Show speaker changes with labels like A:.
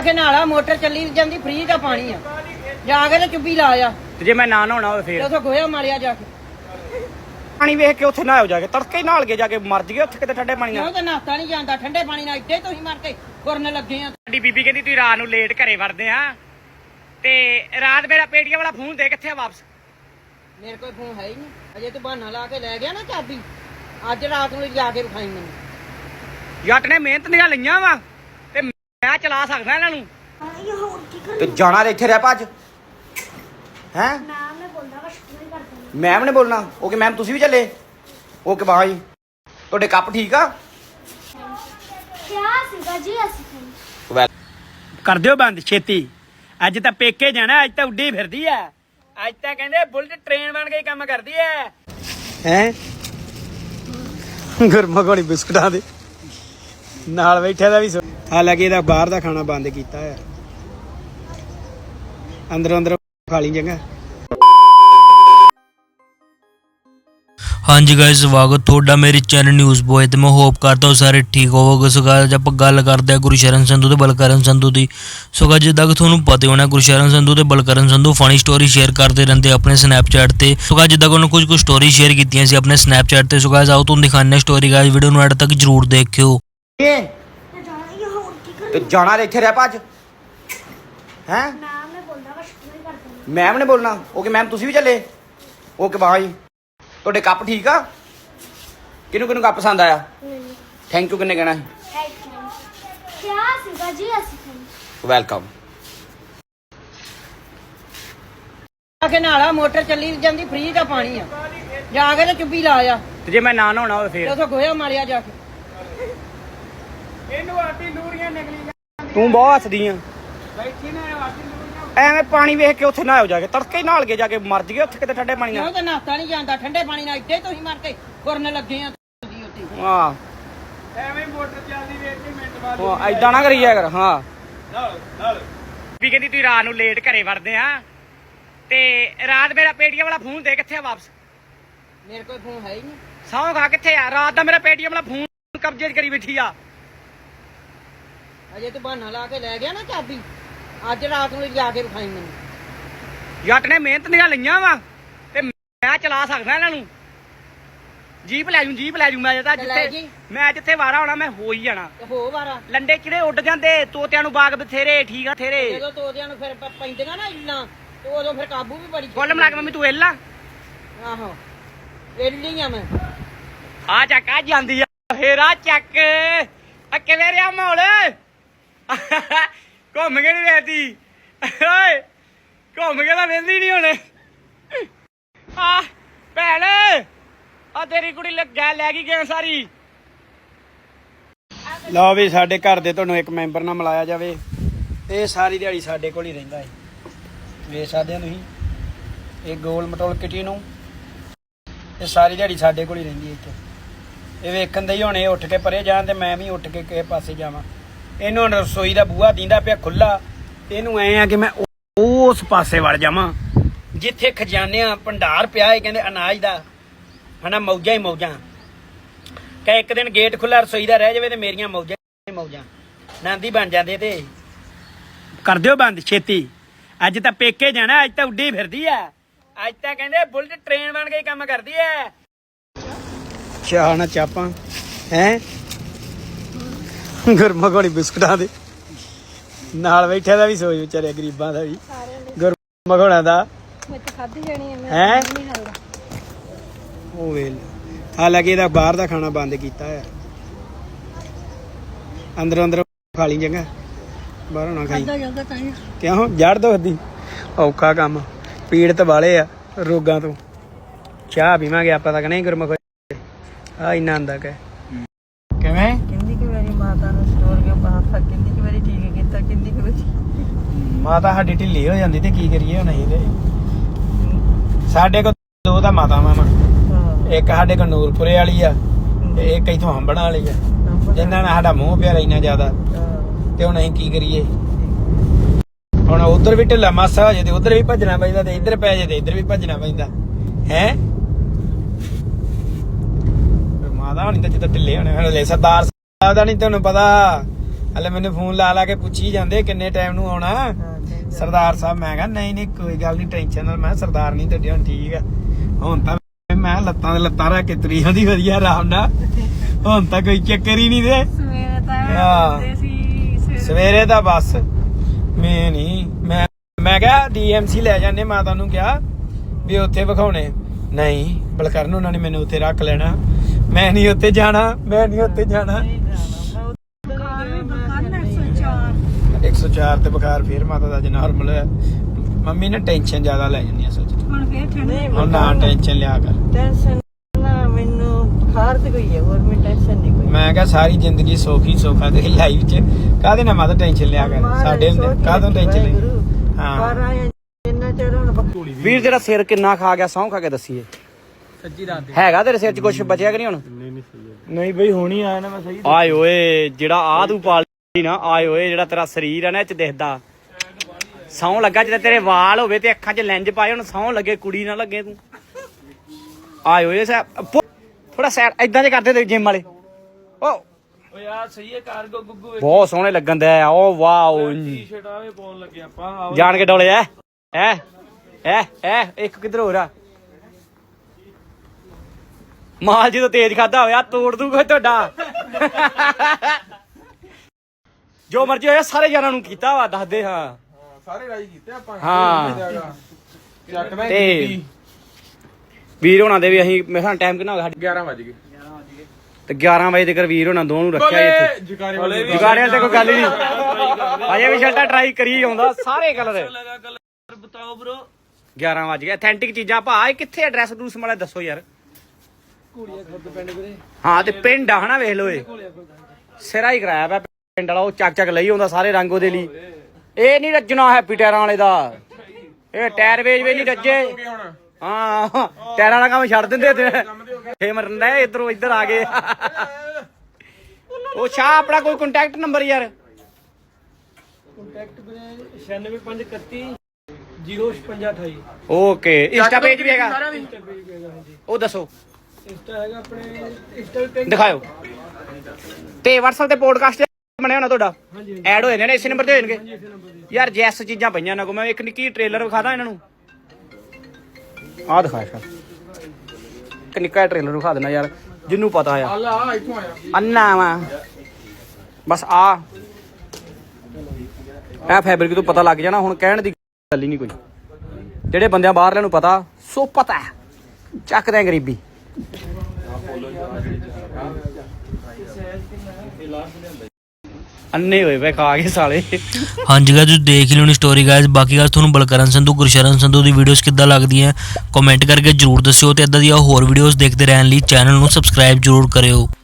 A: ਆਖੇ ਨਾਲਾ ਮੋਟਰ ਚੱਲੀ ਜਾਂਦੀ ਫ੍ਰੀ ਦਾ ਪਾਣੀ ਆ ਜਾ ਕੇ ਤੇ ਚੁੱਭੀ ਲਾ ਆ
B: ਤੇ ਜੇ ਮੈਂ ਨਾ ਨਹਾਉਣਾ ਹੋਵੇ ਫੇਰ
A: ਉਥੋਂ ਗੋਇਆ ਮਾਰਿਆ ਜਾ ਕੇ
B: ਪਾਣੀ ਵੇਖ ਕੇ ਉੱਥੇ ਨਹਾਓ ਜਾ ਕੇ ਤੜਕੇ ਨਹਾਲ ਕੇ ਜਾ ਕੇ ਮਰ ਜਗੇ ਉੱਥੇ ਕਿਤੇ ਠੰਡੇ ਪਾਣੀ ਨਾਲ
A: ਕਿਉਂ ਤਾਂ ਨਾਤਾ ਨਹੀਂ ਜਾਂਦਾ ਠੰਡੇ ਪਾਣੀ ਨਾਲ ਇੱਥੇ ਤੁਸੀਂ ਮਰ ਕੇ ਗੁਰਨ ਲੱਗੇ ਆ
B: ਸਾਡੀ ਬੀਬੀ ਕਹਿੰਦੀ ਤੁਸੀਂ ਰਾਤ ਨੂੰ ਲੇਟ ਘਰੇ ਵੜਦੇ ਆ ਤੇ ਰਾਤ ਮੇਰਾ ਪੇਟੀਆਂ ਵਾਲਾ ਫੋਨ ਦੇ ਕਿੱਥੇ ਆ ਵਾਪਸ
A: ਮੇਰੇ ਕੋਲ ਫੋਨ ਹੈ ਹੀ ਨਹੀਂ ਅਜੇ ਤੂੰ ਬਹਾਨਾ ਲਾ ਕੇ ਲੈ ਗਿਆ ਨਾ ਚਾਬੀ ਅੱਜ ਰਾਤ ਨੂੰ ਜਾ ਕੇ ਵਿਖਾਈ ਮੈਨੂੰ
B: ਜੱਟ ਨੇ ਮਿਹਨਤ ਦੀਆਂ ਲਈਆਂ ਵਾ ਤੇ ਮੈਂ ਚਲਾ ਸਕਦਾ ਇਹਨਾਂ ਨੂੰ ਤੇ ਜਾਣਾ ਇੱਥੇ ਰਹਿ ਭੱਜ ਹੈ ਮੈਮ ਨੇ ਬੋਲਣਾ ਓਕੇ ਮੈਮ ਤੁਸੀਂ ਵੀ ਚੱਲੇ ਓਕੇ ਬਾਈ ਤੁਹਾਡੇ ਕੱਪ ਠੀਕ ਆ
C: ਕਿਆ ਸੀਗਾ ਜੀ ਅਸੀਂ
B: ਕਰ ਦਿਓ ਬੰਦ ਛੇਤੀ ਅੱਜ ਤਾਂ ਪੇਕੇ ਜਾਣਾ ਅੱਜ ਤਾਂ ਉੱਡੀ ਫਿਰਦੀ ਐ ਅੱਜ ਤਾਂ ਕਹਿੰਦੇ ਬੁਲਟ ਟ੍ਰੇਨ ਬਣ ਕੇ ਕੰਮ ਕਰਦੀ ਐ ਹੈ ਗਰਮਾ ਗੋਲੀ ਬਿਸਕੁਟਾਂ ਦੇ ਨਾਲ ਬੈਠਿਆ ਦਾ ਵੀ ਹਾਲਾਂਕਿ ਇਹਦਾ ਬਾਹਰ ਦਾ ਖਾਣਾ ਬੰਦ ਕੀਤਾ ਹੈ ਅੰਦਰੋਂ ਖਾ ਲਈ ਚੰਗਾ
D: ਹਾਂਜੀ ਗਾਇਸ ਸਵਾਗਤ ਤੁਹਾਡਾ ਮੇਰੇ ਚੈਨਲ ਨਿਊਜ਼ ਬੋਏ ਤੇ ਮੈਂ ਹੋਪ ਕਰਦਾ ਹਾਂ ਸਾਰੇ ਠੀਕ ਹੋਵੋਗੇ। ਸੋ ਗਾਇਸ ਆਪਾਂ ਗੱਲ ਕਰਦੇ ਹਾਂ ਗੁਰਸ਼ਰਨ ਸੰਧੂ ਤੇ ਬਲਕਰਨ ਸੰਧੂ ਦੀ। ਸੋ ਗਾਇਸ ਜਿੱਦਾਂ ਕਿ ਤੁਹਾਨੂੰ ਪਤਾ ਹੋਣਾ ਗੁਰਸ਼ਰਨ ਸੰਧੂ ਤੇ Balkaran Sandhu funny story share ਕਰਦੇ ਰਹਿੰਦੇ ਆਪਣੇ ਸਨੈਪਚੈਟ ਤੇ। ਸੋ ਗਾਇਸ ਜਿੱਦਾਂ ਕਿ ਉਹਨਾਂ ਕੁਝ ਸਟੋਰੀ ਸ਼ੇਅਰ ਕੀਤੀਆਂ ਸੀ ਆਪਣੇ ਸਨੈਪਚੈਟ ਤੇ। ਸੋ ਗਾਇਸ ਆਓ ਤੁਹਾਨੂੰ ਦਿਖਾਉਂਦੇ ਹਾਂ ਸਟੋਰੀ ਗਾਇਸ ਵੀਡੀਓ ਨੂੰ ਐਡ ਤੱਕ ਜਰੂਰ ਦੇਖਿਓ।
B: ਤੇ ਜਾਣਾ ਇੱਥੇ ਰਹਿ ਭੱਜ ਹੈ ਮੈਮ ਨੇ ਬੋਲਣਾ ਓਕੇ ਮੈਮ ਤੁਸੀਂ ਵੀ ਚੱਲੇ ਓਕੇ ਬਾਈ ਤੁਹਾਡੇ ਕੱਪ ਠੀਕ ਆ ਕਿਹਨੂੰ ਕੱਪ ਪਸੰਦ ਆਇਆ ਥੈਂਕ ਯੂ ਕਿੰਨੇ ਕਹਿਣਾ
C: ਕਿਆ ਸੀਗਾ ਜੀ ਅਸੀਂ
B: ਵੈਲਕਮ
A: ਆਖੇ ਨਾਲਾ ਮੋਟਰ ਚੱਲੀ ਜਾਂਦੀ ਫ੍ਰੀ ਦਾ ਪਾਣੀ ਆ ਜਾ ਕੇ ਤੇ ਚੁੱਭੀ ਲਾ ਆ
B: ਤੇ ਜੇ ਮੈਂ ਨਾ ਨਹਾਉਣਾ ਹੋਵੇ ਫੇਰ
A: ਉਥੋਂ ਗੋਇਆ ਮਾਰਿਆ ਜਾ ਕੇ
B: ਇਹਨੂੰ ਆਟੀ ਨੂਰੀਆਂ ਨਿਕਲੀ ਤੂੰ ਬਹੁਤ ਹੱਸਦੀ ਆ ਬੈਠੀ ਨਾ ਆਟੀ ਨੂਰੀਆਂ ਐਵੇਂ ਪਾਣੀ ਵੇਖ ਕੇ ਉੱਥੇ ਨਹਾਓ ਜਾ ਕੇ ਤੜਕੇ ਨਹਾਲ ਕੇ ਜਾ ਕੇ ਮਰ ਜਗੇ ਉੱਥੇ ਕਿਤੇ ਠੰਡੇ ਪਾਣੀ ਨਾਲ
A: ਕਿਉਂ ਤਾਂ ਨਾਤਾ ਨਹੀਂ ਜਾਂਦਾ ਠੰਡੇ ਪਾਣੀ ਨਾਲ ਇੱਥੇ ਤੁਸੀਂ ਮਰ ਕੇ ਗੁਰਨ ਲੱਗੇ ਆ ਤੁਸੀਂ ਉੱਥੇ
B: ਹਾਂ ਐਵੇਂ ਮੋਟਰ ਚੱਲਦੀ ਵੇਖ ਕੇ ਮਿੰਟ ਬਾਅਦ ਹਾਂ ਐਦਾਂ ਨਾ ਕਰੀਆ ਕਰ ਹਾਂ ਨਾਲ ਵੀ ਕਹਿੰਦੀ ਤੁਸੀਂ ਰਾਤ ਨੂੰ ਲੇਟ ਘਰੇ ਵੜਦੇ ਆ ਤੇ ਰਾਤ ਮੇਰਾ ਪੇਟੀਆਂ ਵਾਲਾ ਫੋਨ ਦੇ ਕਿੱਥੇ ਆ ਵਾਪਸ
A: ਮੇਰੇ ਕੋਲ ਫੋਨ ਹੈ ਹੀ ਨਹੀਂ
B: ਸੌਂ ਖਾ ਕਿੱਥੇ ਆ ਰਾਤ ਦਾ ਮੇਰਾ ਪੇਟੀਐਮ ਵਾਲਾ ਫੋਨ ਕਬਜ਼ੇ 'ਚ ਕਰੀ ਬੈਠੀ ਆ
A: ਅਜੇ ਤੂੰ ਬਹਾਨਾ ਲਾ ਕੇ ਲੈ ਗਿਆ ਨਾ ਚਾਬੀ ਅੱਜ ਰਾਤ ਨੂੰ ਜਾ ਕੇ ਵਿਖਾਈ ਮੈਨੂੰ
B: ਜੱਟ ਨੇ ਮਿਹਨਤ ਦੀਆਂ ਲਈਆਂ ਵਾ ਤੇ ਮੈਂ ਚਲਾ ਸਕਦਾ ਇਹਨਾਂ ਨੂੰ ਜੀਪ ਲੈ ਜੂ ਮੈਂ ਤਾਂ ਜਿੱਥੇ ਵਾਰਾ ਹੋਣਾ ਮੈਂ ਹੋ ਹੀ ਜਾਣਾ
A: ਤੇ ਹੋ ਵਾਰਾ
B: ਲੰਡੇ ਕਿਹੜੇ ਉੱਡ ਜਾਂਦੇ ਤੋਤਿਆਂ ਨੂੰ ਬਾਗ ਬਥੇਰੇ ਠੀਕ ਆ ਥੇਰੇ
A: ਜਦੋਂ ਤੋਦਿਆਂ ਨੂੰ ਫਿਰ ਪੈਂਦੀਆਂ ਨਾ ਇੱਲਾਂ ਤੇ ਉਦੋਂ ਫਿਰ ਕਾਬੂ ਵੀ ਬੜੀ
B: ਕੁੱਲ ਮਿਲਾ ਕੇ ਮੰਮੀ ਤੂੰ ਇੱਲਾ
A: ਆਹੋ ਇੱਲੀ ਆ ਮੈਂ
B: ਆ ਚੱਕ ਆ ਜਾਂਦੀ ਆ ਫੇਰ ਆ ਚੱਕ ਆ ਕਿਵੇਂ ਰਿਹਾ ਮਾਹੌਲ ਘੁੰਮ ਕੇ ਨੀ ਵੇਖਦੀ ਓਏ ਘੁੰਮ ਕੇ ਤਾਂ ਵੇਖਦੀ ਨੀ ਹੁਣ ਆ ਭੈਣ ਆ ਤੇਰੀ ਕੁੜੀ ਲੈ ਗਈ ਗੇਮ ਸਾਰੀ ਲਓ ਵੀ ਸਾਡੇ ਘਰ ਦੇ ਤੁਹਾਨੂੰ ਇੱਕ ਮੈਂਬਰ ਨਾਲ ਮਿਲਾਇਆ ਜਾਵੇ ਇਹ ਸਾਰੀ ਦਿਹਾੜੀ ਸਾਡੇ ਕੋਲ ਹੀ ਰਹਿੰਦਾ ਹੈ ਵੇਖ ਸਕਦੇ ਹੋ ਤੁਸੀਂ ਇਹ ਗੋਲ ਮਟੋਲ ਕਿਟੀ ਨੂੰ ਇਹ ਸਾਰੀ ਦਿਹਾੜੀ ਸਾਡੇ ਕੋਲ ਹੀ ਰਹਿੰਦੀ ਹੈ ਇੱਥੇ ਇਹ ਵੇਖਣ ਦੇ ਹੀ ਹੁਣ ਇਹ ਉੱਠ ਕੇ ਪਰੇ ਜਾਣ ਤੇ ਮੈਂ ਵੀ ਉੱਠ ਕੇ ਕਿਸੇ ਪਾਸੇ ਜਾਵਾਂ ਇਹਨੂੰ ਹੁਣ ਰਸੋਈ ਦਾ ਬੂਹਾ ਦੀਂਦਾ ਪਿਆ ਖੁੱਲਾ ਇਹਨੂੰ ਐ ਆ ਕਿ ਮੈਂ ਉਸ ਪਾਸੇ ਵੜ ਜਾਵਾਂ ਜਿੱਥੇ ਖਜ਼ਾਨਿਆਂ ਭੰਡਾਰ ਪਿਆ ਇਹ ਕਹਿੰਦੇ ਅਨਾਜ ਦਾ ਹਨਾ ਮੌਜਾਂ ਹੀ ਮੌਜਾਂ ਕਿ ਇੱਕ ਦਿਨ ਗੇਟ ਖੁੱਲਾ ਰਸੋਈ ਦਾ ਰਹਿ ਜਾਵੇ ਤੇ ਮੇਰੀਆਂ ਮੌਜਾਂ ਹੀ ਮੌਜਾਂ ਨੰਦੀ ਬਣ ਜਾਂਦੇ ਤੇ ਕਰ ਦਿਓ ਬੰਦ ਛੇਤੀ ਅੱਜ ਤਾਂ ਪੇਕੇ ਜਾਣਾ ਅੱਜ ਤਾਂ ਉੱਡੀ ਫਿਰਦੀ ਐ ਅੱਜ ਤਾਂ ਕਹਿੰਦੇ ਬੁਲਟ ਟ੍ਰੇਨ ਬਣ ਕੇ ਕੰਮ ਕਰਦੀ ਐ ਚਾਹ ਨਾ ਚਾਪਾਂ ਹੈ ਗਰਮਾ ਗੋਲੀ ਬਿਸਕੁਟਾਂ ਦੇ ਨਾਲ ਬੈਠਿਆ ਦਾ ਵੀ ਸੋਚ ਵਿਚਾਰੇ ਗਰੀਬਾਂ ਦਾ ਵੀ ਗਰਮਾ ਗੋਣਾ ਦਾ ਹੈ ਉਹ ਵੇਲ ਹਾਲਾਂਕਿ ਇਹਦਾ ਬਾਹਰ ਦਾ ਖਾਣਾ ਬੰਦ ਕੀਤਾ ਹੈ ਅੰਦਰੋਂ ਖਾ ਲਈ ਚੰਗਾ ਬਾਹਰੋਂ ਨਾ ਖਾਈ ਕਿਉਂ ਜੜ ਦੁਖਦੀ ਔਖਾ ਕੰਮ ਪੀੜਤ ਵਾਲੇ ਆ ਰੋਗਾਂ ਤੋਂ ਚਾਹ ਪੀਵਾਂਗੇ ਆਪਾਂ ਤਾਂ ਨਹੀਂ ਗੁਰਮੁਖ ਆ ਇੰਨਾ ਆਂਦਾ ਕਿ ਕਿਵੇਂ
A: ਕਿੰਨੀ ਕਿ ਮੇਰੀ ਮਾਤਾ ਨੂੰ ਸਟੋਰ ਕੇ ਬਾਹਰ ਕਿੰਨੀ ਕਿ ਵਾਰੀ ਠੀਕ ਕੀਤਾ ਕਿੰਨੀ ਕਿ ਵਾਰੀ
B: ਮਾਤਾ ਸਾਡੀ ਢਿੱਲੀ ਹੋ ਜਾਂਦੀ ਤੇ ਕੀ ਕਰੀਏ ਹੁਣ ਅਸੀਂ ਤੇ ਸਾਡੇ ਕੋਲ ਦੋ ਤਾਂ ਮਾਤਾਵਾਂ ਵਾ ਇੱਕ ਸਾਡੇ ਕੋਲ ਨੂਰਪੁਰੇ ਵਾਲੀ ਆ ਤੇ ਇੱਕ ਇੱਥੋਂ ਹੰਬਣਾ ਵਾਲੀ ਆ ਜਿੰਨਾਂ ਨਾਲ ਸਾਡਾ ਮੂੰਹ ਪਿਆ ਇੰਨਾ ਜ਼ਿਆਦਾ ਤੇ ਹੁਣ ਅਸੀਂ ਕੀ ਕਰੀਏ ਹੁਣ ਉਧਰ ਵੀ ਢਿੱਲਾ ਮਾਸਾ ਹੋ ਜੇ ਤੇ ਉਧਰ ਵੀ ਭੱਜਣਾ ਪੈਂਦਾ ਤੇ ਇੱਧਰ ਪੈ ਜੇ ਤੇ ਇੱਧਰ ਵੀ ਭੱਜਣਾ ਪੈਂਦਾ ਹੈ ਮਾਤਾ ਹੋਣੀ ਤਾਂ ਜਿੱਦਾਂ ਢਿੱਲੇ ਹੋਣੇ ਹਲੇ ਸਰਦਾਰ ਸਾਹਿਬ ਦਾ ਨਹੀਂ ਤੁਹਾਨੂੰ ਪਤਾ ਹਲੇ ਮੈਨੂੰ ਫੋਨ ਲਾ ਕੇ ਪੁੱਛੀ ਜਾਂਦੇ ਕਿੰਨੇ ਟਾਈਮ ਨੂੰ ਆਉਣਾ ਸਰਦਾਰ ਸਾਹਿਬ। ਮੈਂ ਕਿਹਾ ਨਹੀਂ ਕੋਈ ਗੱਲ ਨਹੀਂ, ਟੈਨਸ਼ਨ ਨਾਲ। ਮੈਂ ਸਰਦਾਰ ਨਹੀਂ ਤੁਹਾਡੇ ਹੁਣ ਠੀਕ ਆ। ਹੁਣ ਤਾਂ ਮੈਂ ਲੱਤਾਂ ਦੇ ਲੱਤਾਂ ਰੱਖ ਕੇ ਤੁਰੀ ਜਾਂਦੀ ਵਧੀਆ ਆਰਾਮ ਨਾਲ। ਹੁਣ ਤਾਂ ਕੋਈ ਚੱਕਰ ਹੀ ਨਹੀਂ ਦੇ। ਸਵੇਰੇ ਤਾਂ ਬਸ ਮੈਂ ਕਿਹਾ DMC ਲੈ ਜਾਂਦੇ, ਮਾਤਾ ਨੂੰ ਕਿਹਾ ਵੀ ਉੱਥੇ ਵਿਖਾਉਣੇ। ਨਹੀਂ ਬਲਕਰਨ ਉਹਨਾਂ ਨੇ ਮੈਨੂੰ ਉੱਥੇ ਰੱਖ ਲੈਣਾ। ਮੈਂ ਨਹੀਂ ਉੱਥੇ ਜਾਣਾ। 104 ਤੇ ਬੁਖਾਰ ਫੇਰ ਮਾਤਾ ਦਾ ਨਾਰਮਲ ਹੋਇਆ। ਮੰਮੀ ਨੇ ਟੈਨਸ਼ਨ ਜ਼ਿਆਦਾ ਲੈ ਜਾਂਦੀ ਆ ਸੱਚ। ਹੁਣ ਨਾ ਟੈਨਸ਼ਨ ਲਿਆ ਕਰ। ਮੈਂ ਕਿਹਾ ਸਾਰੀ ਜ਼ਿੰਦਗੀ ਸੌਖੀ ਸੌਖਾ ਤੇ ਲਾਈਫ ਚ ਕਾਹਦੇ ਨਾਲ ਮਾਤਾ ਟੈਨਸ਼ਨ ਲਿਆ ਕਰ। ਸਾਡੇ ਹੁੰਦੇ ਕਾਹਦੋਂ ਟੈਨਸ਼ਨ ਲਈ। ਹਾਂ ਵੀਰ ਤੇਰਾ ਸਿਰ ਕਿੰਨਾ ਖਾ ਗਿਆ, ਸਹੁੰ ਖਾ ਕੇ ਦੱਸੀਏ।
A: ਸੱਚੀ ਰਾਤ
B: ਹੈਗਾ ਤੇਰੇ ਸਿਰ ਚ ਕੁਝ ਬਚਿਆ ਕਿ ਨਹੀਂ ਹੁਣ? ਨਹੀਂ ਬਈ ਹੁਣੀ ਆਇਆ ਨਾ ਮੈਂ ਸਹੀ। ਆਏ ਓਏ ਜਿਹੜਾ ਆ ਤੂੰ ਪਾਲੀ ਨਾ, ਆਏ ਓਏ ਜਿਹੜਾ ਤੇਰਾ ਸਰੀਰ ਆ ਨਾ ਇਹ ਚ ਦਿਖਦਾ। ਸਹੁੰ ਲੱਗਾ ਜਿੱਦਾਂ ਤੇਰੇ ਵਾਲ ਹੋਵੇ ਤੇ ਅੱਖਾਂ 'ਚ ਲੈਂਜ ਪਾਏ ਹੁਣ ਸਹੁੰ ਲੱਗੇ, ਕੁੜੀ ਨਾ ਲੱਗੇ ਤੂੰ। ਆਏ ਓਏ ਥੋੜਾ ਸਾਈਡ ਏਦਾਂ ਦੇ ਕਰਦੇ ਤੇ ਜਿਮ ਵਾਲੇ। ਓ ਯਾਰ ਸਹੀ ਹੈ ਕਾਰਗੋ ਗੁੱਗੂ ਬਹੁਤ ਸੋਹਣੇ ਲੱਗਣ ਦੇ ਆ। ਓ ਵਾਓ ਟੀ-ਸ਼ਰਟ ਆਵੇ ਪਾਉਣ ਲੱਗੇ ਆਪਾਂ ਜਾਣ ਕੇ ਡੋਲੇ ਐ ਇੱਕ ਕਿੱਧਰ ਹੋ ਰਿਹਾ ਮਾਲ ਜਦੋਂ ਤੇਜ਼ ਖਾਦਾ ਹੋਇਆ ਤੋੜ ਦੂਗਾ ਤੁਹਾਡਾ। ਜੋ ਮਰਜੀ ਹੋਇਆ ਸਾਰੇ ਯਾਰਾਂ ਨੂੰ ਕੀਤਾ ਵਾ ਦੱਸਦੇ। ਹਾਂ ਸਾਰੇ ਰਾਜੀ ਕੀਤੇ ਆਪਾਂ। ਹਾਂ ਤੇ ਵੀਰ ਹੋਣਾ ਦੇ ਵੀ ਅਸੀਂ ਮੇਰੇ ਟਾਈਮ ਕਿੰਨਾ ਹੋ ਗਿਆ? 11 ਵਜ ਗਏ ਤੇ 11 ਵਜੇ ਤੱਕ ਵੀਰ ਹੋਣਾ ਦੋ ਨੂੰ ਰੱਖਿਆ ਇੱਥੇ। ਜੁਗਾੜਿਆਂ ਤੇ ਕੋਈ ਗੱਲ ਹੀ ਨਹੀਂ। ਅਜੇ ਵੀ ਸ਼ਰਟਾਂ ਟਰਾਈ ਕਰੀ ਆਉਂਦਾ ਸਾਰੇ ਕਲਰ।
A: ਬਤਾਓ ਬ్రో
B: 11 ਵਜ ਗਏ। ਅਥੈਂਟਿਕ ਚੀਜ਼ਾਂ ਭਾ ਇਹ ਕਿੱਥੇ ਐਡਰੈਸ ਡੂਸ ਮਾੜਾ ਦੱਸੋ ਯਾਰ। ਹਾਂ ਤੇ ਪਿੰਡ ਆ ਹਨਾ ਵੇਖ ਲੋ। ਇਹ ਸਿਰਾ ਹੀ ਕਰਾਇਆ ਪਿਆ ਪਿੰਡ ਵਾਲਾ। ਉਹ ਚੱਕ ਲਈ ਆਉਂਦਾ ਸਾਰੇ ਰੰਗ ਉਹਦੇ ਲਈ। ਇਹ ਨਹੀਂ ਰੱਜਣਾ ਹੈਪੀ ਟਾਇਰਾਂ ਵਾਲੇ ਦਾ। ਇਹ ਟਾਇਰ ਵੇਚ ਨਹੀਂ ਰੱਜੇ। ਹਾਂ ਟਾਇਰਾਂ ਵਾਲਾ ਕੰਮ ਛੱਡ ਦਿੰਦੇ ਫੇ ਮਰਨ ਇਧਰੋਂ ਇੱਧਰ ਆ ਗਏ। ਉਹ ਸ਼ਾਹ ਆਪਣਾ ਕੋਈ ਕੰਟੈਕਟ ਨੰਬਰ ਯਾਰ?
A: ਕੰਟੈਕਟ 96531 05628।
B: ਓਕੇ ਇੰਸਟਾ ਪੇਜ ਵੀ ਹੈਗਾ? ਉਹ ਦੱਸੋ।
A: ਇੰਸਟਾ ਹੈਗਾ ਆਪਣੇ ਇੰਸਟਾ
B: ਦਿਖਾਓ। ਤੇ WhatsApp ਤੇ ਪੋਡਕਾਸਟ ਬਣਿਆ ਹੋਣਾ ਤੁਹਾਡਾ? ਐਡ ਹੋ ਜਾਣੇ ਨੇ ਇਸੇ ਨੰਬਰ ਤੇ ਹੋ ਜਾਣਗੇ ਯਾਰ। ਜੈਸ ਚੀਜ਼ਾਂ ਪਈਆਂ ਨਾ ਕੋ। ਮੈਂ ਇੱਕ ਨਿੱਕੀ ਟ੍ਰੇਲਰ ਵਿਖਾਦਾ ਇਹਨਾਂ ਨੂੰ। ਆਹ ਦਿਖਾ ਇੱਕ ਨਿੱਕਾ ਟ੍ਰੇਲਰ ਵਿਖਾ ਦੇਣਾ ਯਾਰ ਜਿਹਨੂੰ ਪਤਾ ਆ। ਅੰਨਾ ਵਾ ਬਸ ਆ ਫੈਬਰਿਕ ਤੋਂ ਪਤਾ ਲੱਗ ਜਾਣਾ। ਹੁਣ ਕਹਿਣ ਦੀ ਗੱਲ ਹੀ ਨਹੀਂ ਕੋਈ। ਜਿਹੜੇ ਬੰਦਿਆਂ ਬਾਹਰਲਿਆਂ ਨੂੰ ਪਤਾ ਸੋ ਪਤਾ ਚੱਕਦੇ ਗਰੀਬੀ। ਅੰਨੇ ਹੋਏ ਵੇ ਖਾ ਕੇ ਸਾਲੇ।
D: ਹਾਂਜੀ ਗਾਇਸ ਤੁਸੀਂ ਦੇਖ ਲਿਓ ਨੀ ਸਟੋਰੀ ਗਾਇਸ। ਬਾਕੀ ਗੱਲ ਤੁਹਾਨੂੰ ਬਲਕਰਨ ਸੰਧੂ ਗੁਰਸ਼ਰਨ ਸੰਧੂ ਦੀ ਵੀਡੀਓਜ਼ ਕਿੱਦਾਂ ਲੱਗਦੀਆਂ ਕਮੈਂਟ ਕਰਕੇ ਜਰੂਰ ਦੱਸਿਓ ਤੇ ਇਦਾਂ ਦੀਆਂ ਹੋਰ ਵੀਡੀਓਜ਼ ਦੇਖਦੇ ਰਹਿਣ ਲਈ ਚੈਨਲ ਨੂੰ ਸਬਸਕ੍ਰਾਈਬ ਜਰੂਰ ਕਰਿਓ।